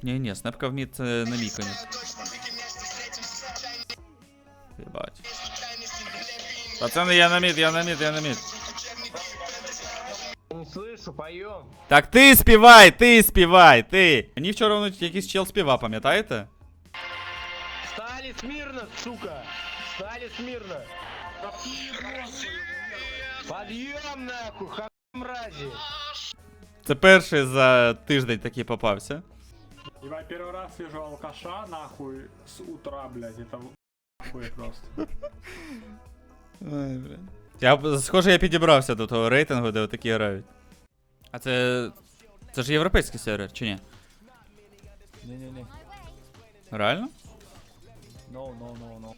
Ні, снепка вміє на мій конець. Єбать. Пацани, я на мід. Не слышу, поем. Так ти співай, ти. Мені вчора воно якийсь чел співав, пам'ятаєте? Стали смирно, сука. Стали смирно. Подъем нахуй, ха мрази. Це перший за тиждень такий попався. Ебать, первый раз вижу алкаша, нахуй, с утра, блядь, это нахуй просто. Ой, блядь. Схоже, я підібрався до того рейтингу, де отакі грають. А це ж європейський сервер, чи ні? Не. Реально? No.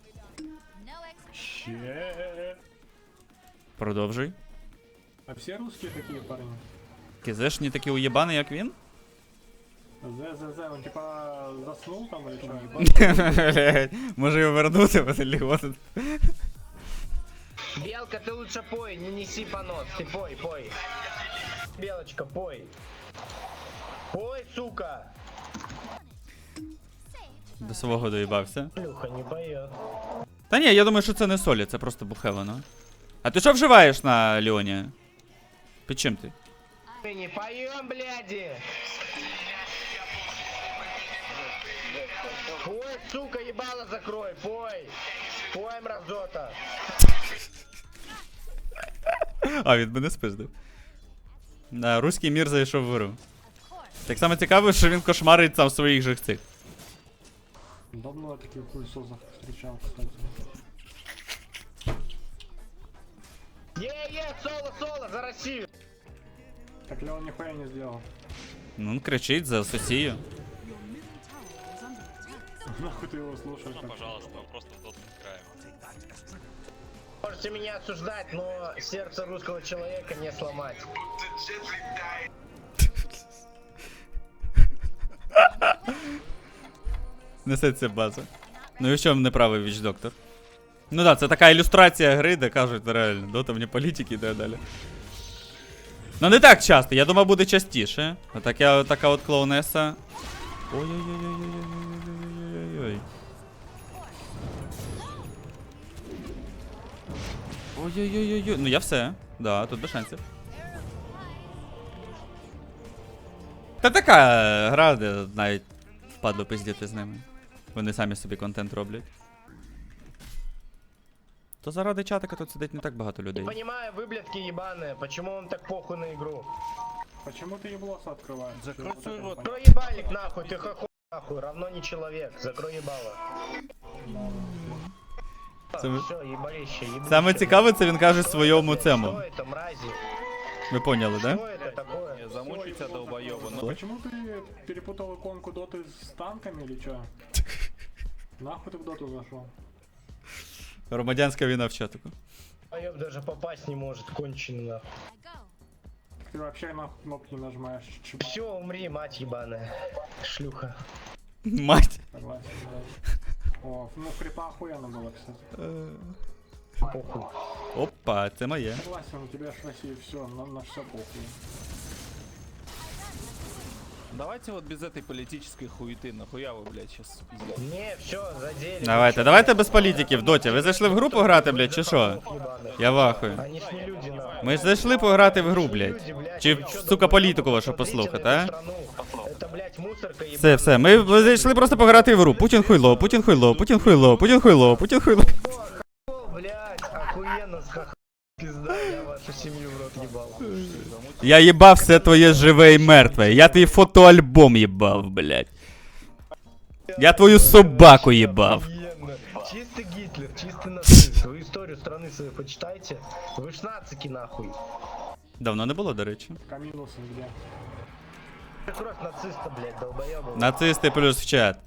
Че? Продовжуй. А все русские такие парни? Кізешні такі уєбани, як він? ЗЗЗ, он типа заснул там или что? Блядь, може його вернути, Василь. Белка, ты лучше пой, не неси понос. Ты пой. Белочка, пой. Пой, сука. До свого доїбався. Люха не поет. Та ні, я думаю, що це не солі, це просто бухе воно. А ти що вживаєш на Леоні? Під чим ти? Мы не поем, бляди. Пой, сука, ебало закрой, пой. Пой, мразота. А, він мене спиздив. Да, руський мір зайшов в гру. Так само цікаво, що він кошмарить сам своїх же цих. Давно я таких хуесосов встречал, кстати. Соло, за Россию. Так Леон нихуя не сделал. Ну, він кричить за Сосію. Нахуй ты его слушаешь? Ну, пожалуйста, мы просто в доту играем. Можете меня осуждать, но сердце русского человека не сломать. Несеться база. Ну і в чому неправий віч-доктор? Ну да, це така ілюстрація гри, де кажуть, реально, дота вне політики і так далі. Ну не так часто, я думав буде частіше. Така от клоунеса. Ой-ой-ой-ой-ой-ой-ой-ой-ой-ой. Ой-ой-ой-ой-ой. Ну я все. Да, тут без шансів. Та така гра, де навіть впадло пиздіти з ними. Вони самі собі контент роблять. То заради чатика тут сидить не так багато людей. Не понимаю, выблядки ебаные, почему вам так похуй на игру? Почему ты еблоса открываешь? Закрой свой рот. Закрой ебальник нахуй, ты хохуй нахуй, равно не человек, закрой ебало. Саме- Все, ебалище, ебище. Саме цікаве, це він каже Что своєму это, цему. Что это, мрази? Ви поняли, да? Что это такое? Не замучиться, долбоёба. А почему ты перепутал иконку доты с танками или чё? Нахуй ты в доту зашел? Громадянська війна в чатику. Поёб даже попасть не может, конченый нахуй. Ты вообще нахуй кнопки нажимаешь. Все, умри, мать ебаная. Шлюха. Мать. Согласен, да. О, ну крипа охуенно было, кстати. Похуй. Опа, це моє. Согласен, у тебя ж в России все, на все похуй. Давайте вот без этой политической хуеты. Нахуя вы, блядь, сейчас пиздец. Не, все, задели. Давайте без політики в доті. Ви зайшли в гру пограти, блядь, чи що? Я вахую. Они ж не люди, нахуй. Ми ж зайшли пограти в гру, Люди, блядь. блядь, Чи, вы чё, сука, думаете, політику вашу смотрите послухати, на эту а? страну? Это, блядь, мусорка ебаная. Все, ми зайшли просто пограти в гру. Путін хуйло, Путін хуйло, Путін хуйло, Путін хуйло, Путін хуйло. О, блядь, охуенно, пизда, я вашу семью в рот ебал. Я їбав все твоє живе і мертве. Я твій фотоальбом їбав, блядь. Я твою собаку їбав. Охуенно. Чистый Гитлер, чистый нацист. Вы историю страны свою почитайте. Вы ж нацики нахуй. Давно не було, до речі. Камилусы где? Кровь нациста, блядь, долбоёбы. Нацисти плюс в чат.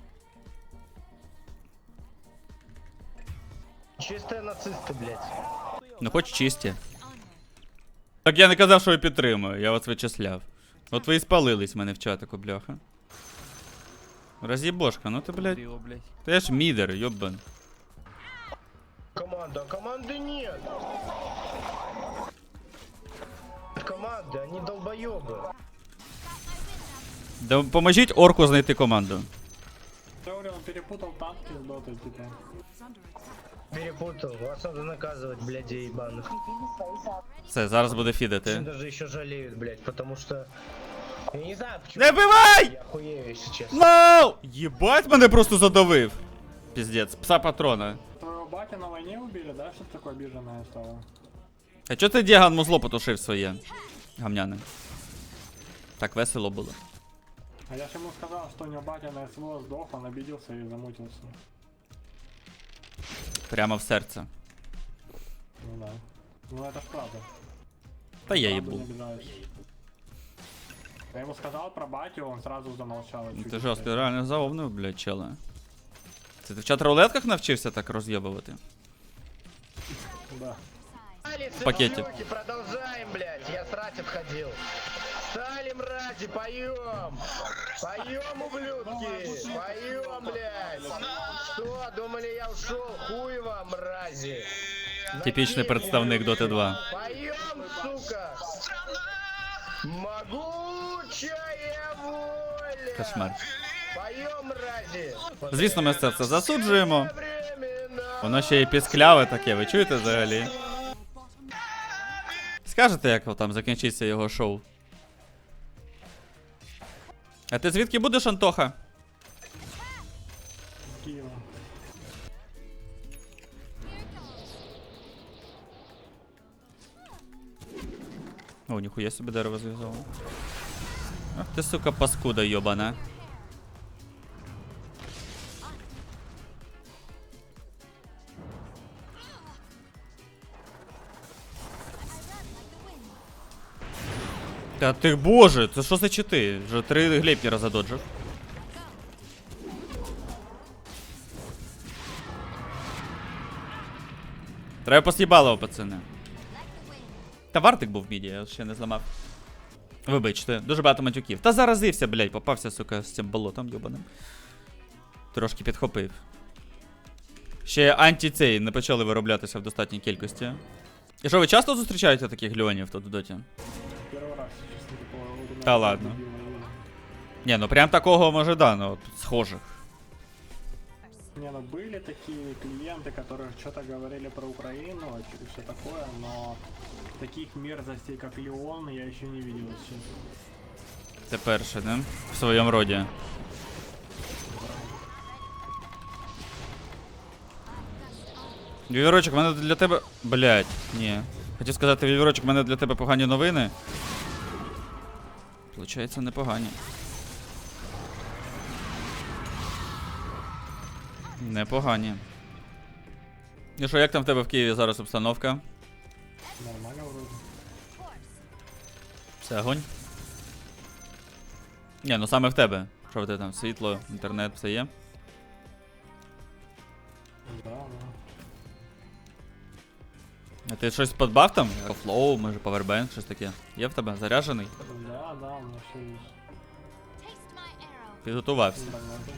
Чистые нацисты, блядь. Ну хоч чисті. Так я не казав, що я підтримую, я вас вичисляв. От ви і спалились в мене в чатику, бляха. Роз'єбошка, ну ти, блядь. Его, блядь. Ти ж мідер, йобан. Команда, а команды нет. Команды, они долбоёбы. Поможіть орку знайти команду. Теория, он перепутал танки с дотой, типа. Перепутал. Вас надо наказывать, блядь, ебаных. Все, зараз буде Очень фідити. даже еще жалеют, блядь, потому что... Я не знаю, почему... Не бивай! Я охуею, если честно. Ноу! Єбать, мене просто задавив. Піздець, пса патрона. Твоего батя на войне убили, да? Что такое обиженное стало? А чо ти Діган музло потушив своє? Гамняне. Так весело було. А я ж ему сказал, что у него батя на СВО сдох, он обиделся и замутился. Прямо в серце. Ну да. Ну это ж правда. Та я Правду їбу. не обижаюсь. Я ему сказал про батю, он сразу замолчал. и чуть Ти не жорстко, стоял. реально заовнив, блядь, чела. Це ти в чат-рулетках навчився так роз'єбувати? Да. Стали, пакете. сыночки, продолжаем, блядь. Я срать отходил. Стали, мрази, поем. Поем, ублюдки. Поем, блядь. Что, думали, я ушел? Хуй вам, мрази. Типічний представник Dota 2. Поем, сука. Могучая воля. Кошмар. Поем, мрази. Звісно, ми це все засуджуємо. Времена. Воно ще й піскляве таке, ви чуєте взагалі? Скажете, як там закінчиться його шоу? А ти звідки будеш, Антоха? Киева. О, ніхуя собі дерево зв'язало. Ах ти, сука, паскуда йобана. Та ти, боже, це що за чити? Вже 3 глейпнера задоджив. Треба пос'їбало, пацани. Та вартик був в міді, я ще не зламав. Вибачте, дуже багато матюків. Та заразився, блядь, попався, сука, з цим болотом йобаним. Трошки підхопив. Ще анті-цей не почали вироблятися в достатній кількості. І що, ви часто зустрічаєте таких льонів тут в доті? Первый раз, честно, такого. вот Да именно ладно. дебила, именно. Ні, ну прям такого, може, да, ну, от, схожих. Не, ну были такие клиенты, которые что-то говорили про Украину и все такое, но таких мерзостей, как Леон, я еще не видел, если честно. Це перше, не? В своєму роді. Вівірочок, в мене для тебе. Блять, ні. Хотів сказати, Вівірочок, в мене для тебе погані новини. Получається, непогані. Непогані. І що, як там в тебе в Києві зараз обстановка? Нормально вроде. Все, огонь? Ні, ну саме в тебе. Що в тебе там? Світло, інтернет, все є? Да, да. А ти щось подбав там? Флоу, може, павербенк, щось таке. Є в тебе? Заряджений? Да, да, у меня все есть. Підготувався. Да, да.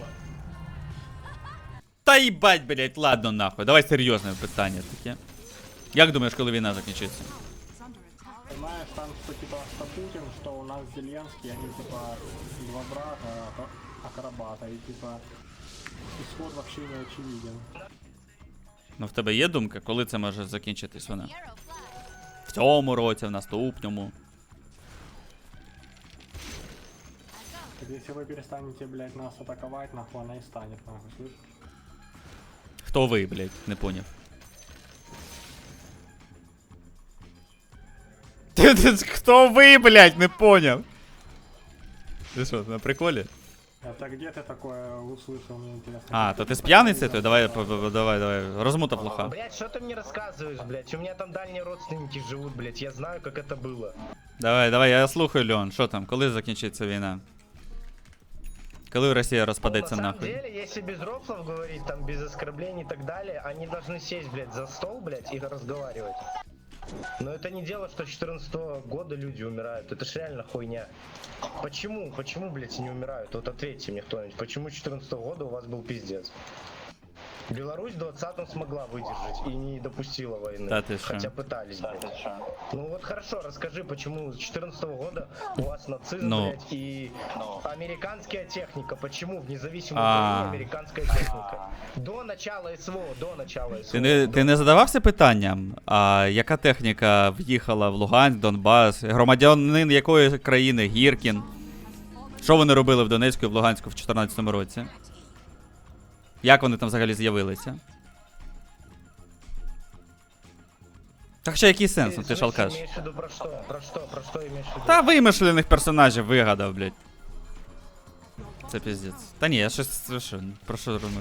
Та їбать, блять, ладно нахуй. Давай серйозне питання таке. Як думаєш, коли війна закінчиться? Понимаешь, там что типа что Путин, что у нас Зеленский, они типа два брата, акробата, и типа исход вообще не очевиден. Ну в тебе є думка, коли це може закінчитись вона? В цьому році, в наступному. Так если вы перестанете, блядь, нас атаковать, нахуй она и станет, нахуй, слышишь? Хто ви, блять, не поняв. Хто ви, блять, не поняв? Ти що, на приколі? Это где ты такое услышал, мне интересно. А, то ти з п'яниці? То давай, давай, розмута плоха. Блять, что ты мне рассказываешь, блять? У меня там дальние родственники живут, блять. Я знаю, как это было. Давай, я слухаю, Леон, що там, коли закінчиться війна? Коли Росія розпадеться На самом нахуй? деле, если без рофлов говорить, там без оскорблений и так далее, они должны сесть, блядь, за стол, блядь, и разговаривать. Но это не дело, что 14 года люди умирают. Это ж реально хуйня. Почему, блядь, не умирают? Вот ответьте мне кто-нибудь. Почему 14 года у вас был пиздец? Беларусь в 20-м смогла выдержать и не допустила войны. Да ты шо? Хотя пытались, блядь. Ну вот хорошо, расскажи, почему с 14 года у вас нацизм, Ну. блядь, и американская техника. Почему в независимой А. Украине американская техника? До начала СВО, до начала СВО. Ти не задавався питанням, а яка техніка в'їхала в Луганськ, Донбас, громадянин якої країни, Гіркін? Що вони робили в Донецьку і в Луганську в 14-му році? Як вони там взагалі з'явилися? Так ще який сенс, ну ти ж алкаш. Имеешь в виду про что? Про что имеешь в виду? Та вимишлених персонажів вигадав, блядь. Це піздець. Та ні, я щось, що, про що розмовляю?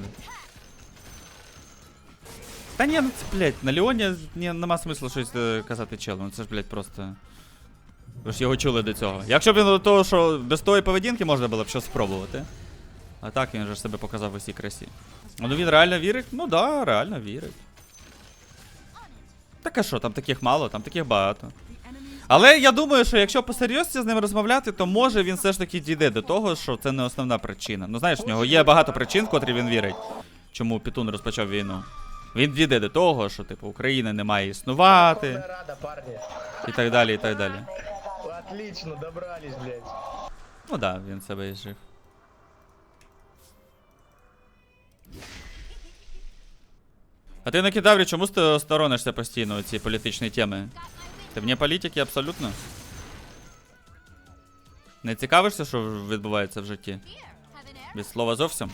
Та ні, ну це, блядь, на Леоні нема смислу щось казати челу, ну це ж, блядь, просто... Ви ж його чули до цього. Якщо б він до того, що без тої поведінки можна було б щось спробувати. А так він же ж себе показав в усій красі. Ну він реально вірить? Ну да, реально вірить. Так а що, там таких мало, там таких багато. Але я думаю, що якщо посерйозці з ним розмовляти, то може він все ж таки дійде до того, що це не основна причина. Ну знаєш, в нього є багато причин, в котрі він вірить, чому Пітун розпочав війну. Він дійде до того, що типу Україна не має існувати Верховная Рада, парни. і так далі, і так далі. Отлично, добрались, блядь. Ну да, він себе і жив. А ти на кедаврі чому сторонишся постійно ці політичні теми? Ти вне політики абсолютно? Не цікавишся, що відбувається в житті? Від слова зовсім?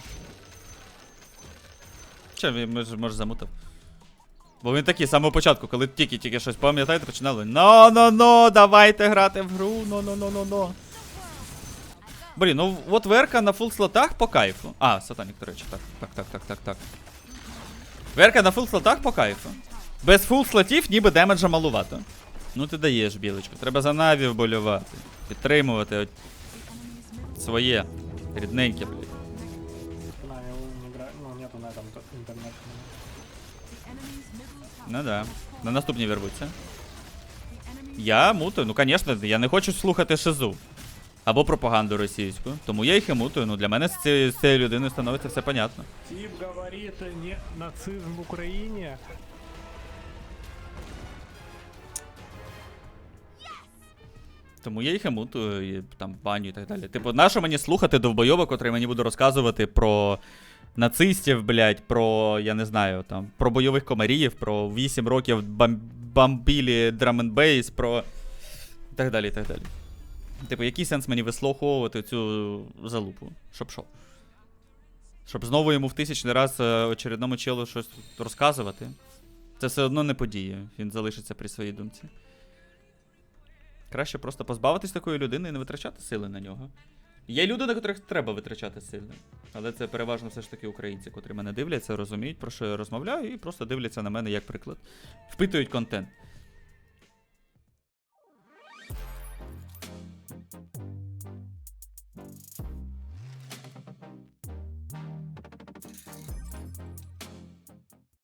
Чи він може замутав? Бо він такий з самого початку, коли тільки щось пам'ятаєте, починали «Но, давайте грати в гру, но. Блін, ну от Верка на фул слотах по кайфу. А, Сатанік, до речі, так. Верка на фул слотах по кайфу. Без фул слотів ніби демеджа малувато. Ну ти даєш, білочку. Треба за Наві вболювати. Підтримувати от своє рідненьке, блін. На, его не играю, ну нету на этом интернете. Ну да. На наступній вербуться. Я мутаю, ну звісно, я не хочу слухати шизу. Або пропаганду російську. Тому я їх і мутаю. Ну для мене з цією людиною становиться все понятно. Тип говорит не нацизм в Украине. Тому я їх і мутую, і там баню і так далі. Типу, нащо мені слухати довбойоба, котрий мені буде розказувати про нацистів, блядь, про, я не знаю, там, про бойових комарів, про 8 років бомбілі драменбейс, про... І так далі, і так далі. Типу, який сенс мені вислуховувати цю залупу? Щоб що? Щоб знову йому в 1000-й раз очередному челу щось розказувати? Це все одно не подіє. Він залишиться при своїй думці. Краще просто позбавитись такої людини і не витрачати сили на нього. Є люди, на котрих треба витрачати сили. Але це переважно все ж таки українці, котрі мене дивляться, розуміють, про що я розмовляю, і просто дивляться на мене як приклад. Впитують контент.